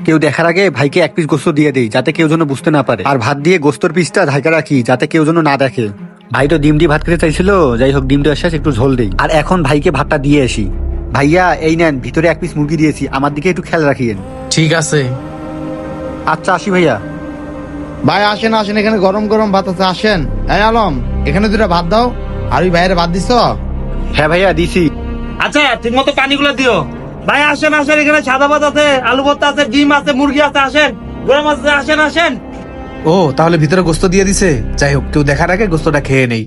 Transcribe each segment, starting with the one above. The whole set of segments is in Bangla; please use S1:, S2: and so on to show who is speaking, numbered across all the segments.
S1: কেউ দেখার আগে ভাইকে এক পিস গোস্ত দিয়ে দেই, যাতে কেউ যেন বুঝতে না পারে। আর ভাত দিয়ে গোস্তর পিসটা ঢাকা রাখি, যাতে কেউ যেন না দেখে। ভাই তো ডিম দিয়ে ভাত খেতে চাইছিল, যাই হোক ডিমটা শেষ, একটু ঝোল দেই। আর এখন ভাইকে ভাতটা দিয়ে আসি। ভাইয়া এই নেন, ভিতরে এক পিস মুরগি দিয়েছি, আমার দিকে একটু খেয়াল রাখিয়েন।
S2: ঠিক আছে।
S1: আচ্ছা আসি ভাইয়া।
S3: ভাই আসেন আসেন, এখানে গরম গরম ভাত আছে, আসেন। এই আলম, এখানে দুটা ভাত দাও। আর ওই ভাইয়ের ভাত দিছ?
S1: হ্যাঁ ভাইয়া দিছি।
S4: আচ্ছা ঠিক মতো পানিগুলো দিও। ভাই আসেন আসেন, এখানে সাদা ভাত আছে, আলু ভর্তা আছে, ডিম আছে, মুরগি আছে, আসেন, গরম আছে, আসেন আসেন।
S2: ও তাহলে ভিতরে গোস্ত দিয়ে দিছে। যাই হোক, কেউ দেখার আগে গোস্তটা খেয়ে নেই।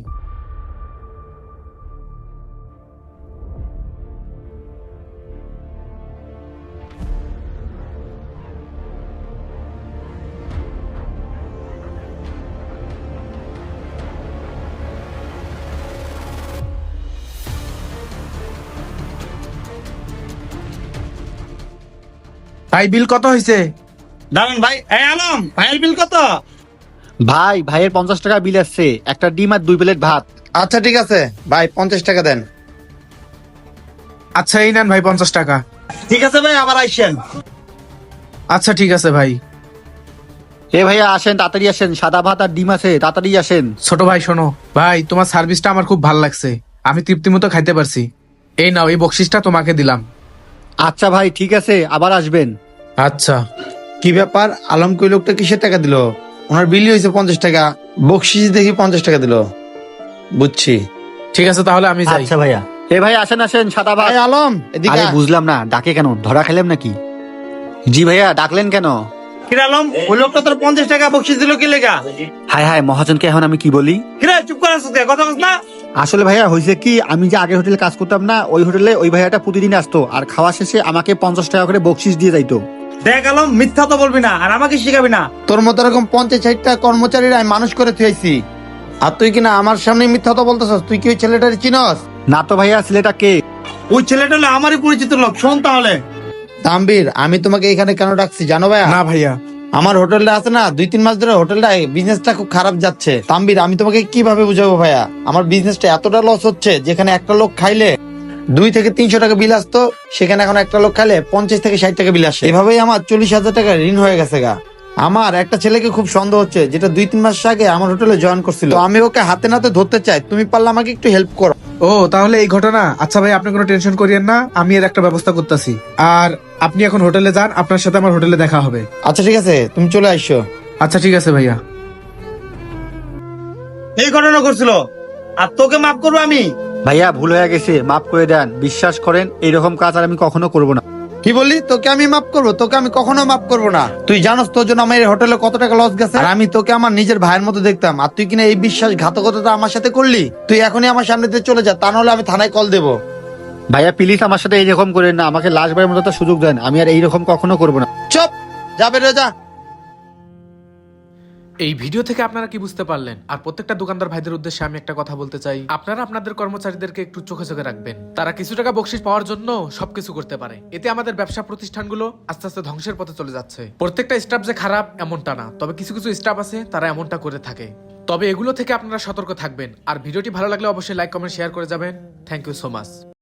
S2: ভাই বিল কত হয়েছে?
S4: দাঁড়ান ভাই, এই আলম, ভাইয়ের বিল কত?
S1: ভাইয়ের 50 টাকা বিল আসছে, একটা ডিম আর 2 প্লেট ভাত।
S3: আচ্ছা ঠিক আছে ভাই, 50 টাকা দেন।
S2: আচ্ছা এই নেন ভাই 50 টাকা।
S4: ঠিক আছে ভাই, আবার আইসেন।
S2: আচ্ছা ঠিক আছে ভাই।
S1: এ ভাইয়া আসেন, তাড়াতাড়ি আসেন, সাদা ভাত আর ডিম আছে, তাড়াতাড়ি আসেন।
S2: ছোট ভাই শোনো, ভাই তোমার সার্ভিসটা আমার খুব ভালো লাগছে, আমি তৃপ্তি মতো খাইতে পারছি। এই নাও, এই বকশিসটা তোমাকে দিলাম।
S1: আচ্ছা ভাই ঠিক আছে, আবার আসবেন।
S2: আচ্ছা।
S3: কি ব্যাপার, আলম কই লোকটা কিসের টাকা দিল? ওনার বিলই হয়েছে 50 টাকা, বকশিস দেখি 50 টাকা দিল। বুঝছি।
S2: ঠিক আছে তাহলে আমি যাই।
S1: আচ্ছা ভাইয়া। এ ভাই আসেন আসেন, সাদা ভাত।
S3: ভাই আলম এদিকে
S1: আরে
S3: আয়।
S1: বুঝলাম না, ডাকে কেন? ধরা খেলাম নাকি? জি ভাইয়া, ডাকলেন কেন?
S4: কিরে আলম, ওই লোকটা তোর 50 টাকা বকশিস দিল কি লেগা?
S1: হায় হায়, মহাজনকে এখন আমি কি বলি?
S4: কিরে চুপ করে আসছিস, কথা বলছ না?
S1: আসলে ভাইয়া হয়েছে কি, আমি যে আগের হোটেলে কাজ করতাম না, ওই হোটেলে ওই ভাইয়াটা প্রতিদিন আসতো, আর খাওয়া শেষে আমাকে 50 টাকা করে বকশিস দিয়ে যাইতো।
S4: দেখ আলম, মিথ্যা তো বলবি না, আর আমাকে শিখাবি না।
S3: তোর মতো এরকম 50-60টা কর্মচারীরা আমি মানুষ করে থুয়েছি, আর তুই কিনা আমার সামনে মিথ্যা তো বলতেছস। তুই কি ওই ছেলেটার চিনস?
S1: না তো ভাইয়া, ছেলেটা কে?
S4: ওই ছেলেটা হলো আমারই পরিচিত লোক। শোন তাহলে,
S3: তাম্বির, আমি তোমাকে এখানে কেন ডাকছি জানো ভাইয়া?
S2: না ভাইয়া।
S3: আমার হোটেলটা আছে না, 2-3 মাস ধরে হোটেলটা বিজনেসটা খুব খারাপ যাচ্ছে। তাম্বির, আমি তোমাকে কিভাবে বুঝাবো ভাইয়া? আমার বিজনেসটা এতটা লস হচ্ছে, যেখানে একটা লোক খাইলে 2 থেকে 300 টাকা বিল আসতো, সেখানে এখন একটা লোক খাইলে 50 থেকে 60 টাকা বিল আসে। এভাবেই আমার 40,000 টাকা ঋণ হয়ে গেছে গা। আমার একটা ছেলেকে খুব সন্দেহ হচ্ছে, যেটা 2-3 মাস আগে আমার হোটেলে জয়েন করছিল। তো আমি ওকে হাতে নাতে ধরতে চাই, তুমি পারলে আমাকে একটু হেল্প করো।
S2: ও তাহলে এই ঘটনা। আচ্ছা ভাই, আপনি কোনো টেনশন করিয়েন না, আমি এর একটা ব্যবস্থা করতেছি। আর আপনি এখন হোটেলে যান, আপনার সাথে আমার হোটেলে দেখা হবে।
S3: আচ্ছা ঠিক আছে, তুমি চলে আসো।
S2: আচ্ছা ঠিক আছে ভাইয়া।
S4: এই ঘটনা করছিল, আর তোকে মাফ করবো আমি?
S1: ভাইয়া ভুল হয়ে গেছে, মাফ করে দেন। বিশ্বাস করেন, এইরকম কাজ আর আমি কখনো করবো না।
S3: কি বললি? তোকে আমি মাফ করবো? তোকে আমি কখনো মাফ করবো না। তুই জানোস তোর জন্য আমার এই হোটেলে কত টাকা লস গেছে? আর আমি তোকে আমার নিজের ভাইয়ের মতো দেখতাম, আর তুই কিনা এই বিশ্বাসঘাতকতা আমার সাথে করলি। তুই এখনই আমার সামনে দিয়ে চলে যা, তা নাহলে আমি থানায় কল দেবো।
S1: ভাইয়া প্লিজ আমার সাথে এইরকম করেন না, আমাকে লাস্ট বারের মতো একটা সুযোগ দেন, আমি আর এইরকম কখনো করবো না।
S3: চুপ, যাবে রে যা।
S2: এই ভিডিও থেকে আপনারা কি বুঝতে পারলেন? আর প্রত্যেকটা দোকানদার ভাইদের উদ্দেশ্যে আমি একটা কথা বলতে চাই, আপনারা আপনাদের কর্মচারীদেরকে একটু চোখে চোখে রাখবেন। তারা কিছু টাকা বকশিশ পাওয়ার জন্য সবকিছু করতে পারে। এতে আমাদের ব্যবসা প্রতিষ্ঠানগুলো আস্তে আস্তে ধ্বংসের পথে চলে যাচ্ছে। প্রত্যেকটা স্টাফ যে খারাপ এমনটা না, তবে কিছু কিছু স্টাফ আছে তারা এমনটা করে থাকে। তবে এগুলো থেকে আপনারা সতর্ক থাকবেন। আর ভিডিওটি ভালো লাগলে অবশ্যই লাইক কমেন্ট শেয়ার করে যাবেন। Thank you so much.